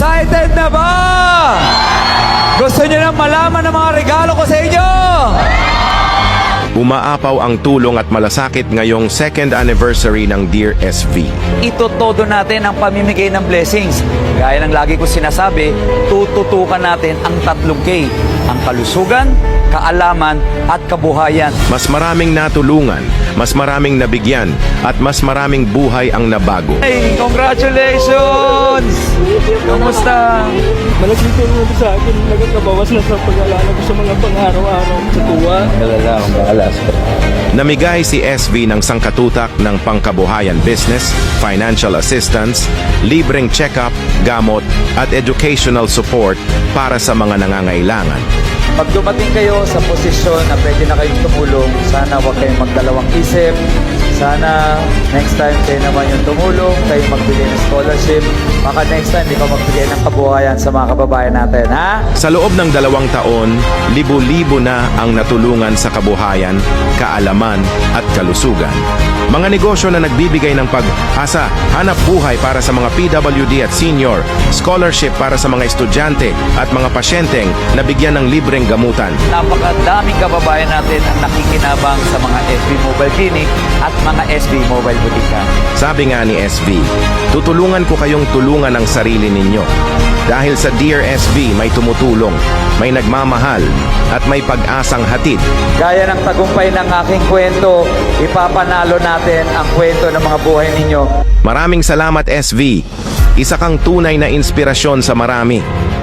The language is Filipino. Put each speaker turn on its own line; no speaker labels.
Excited na ba? Gusto niyo nang malaman ang mga regalo ko sa inyo?
Umaapaw ang tulong at malasakit ngayong second anniversary ng Dear SV.
Itotodo natin ang pamimigay ng blessings. Gaya ng lagi ko sinasabi, tututukan natin ang 3K. Ang kalusugan, kaalaman, at kabuhayan.
Mas maraming natulungan, mas maraming nabigyan, at mas maraming buhay ang nabago.
Hey, congratulations! Kamusta?
Malaking tulong sa akin, nagkakabawas na sa pag-alala ko sa mga pang-araw-araw sa tuwa.
Galala akong bahala.
Namigay si SV ng sangkatutak ng pangkabuhayan business, financial assistance, libreng check-up, gamot, at educational support para sa mga nangangailangan.
Pag dumating kayo sa posisyon na pwede na kayong tumulong, sana huwag kayong magdalawang isip. Sana next time kayo naman yung tumulong, kayo magbigay ng scholarship. Baka next time ikaw magbigay ng kabuhayan sa mga kababayan natin, ha?
Sa loob ng 2 taon, libo-libo na ang natulungan sa kabuhayan, kaalaman, at kalusugan. Mga negosyo na nagbibigay ng pag-asa, hanap buhay para sa mga PWD at senior, scholarship para sa mga estudyante at mga pasyenteng nabigyan ng libreng gamutan.
Napakadaming kababayan natin ang nakikinabang sa mga SB Mobile Clinic at mga SB Mobile Butika.
Sabi nga ni SV, tutulungan ko kayong tulungan ang sarili ninyo. Dahil sa Dear SV may tumutulong, may nagmamahal, at may pag-asang hatid.
Gaya ng tagumpay ng aking kwento, ipapanalo natin ang kwento ng mga buhay ninyo.
Maraming salamat SV. Isa kang tunay na inspirasyon sa marami.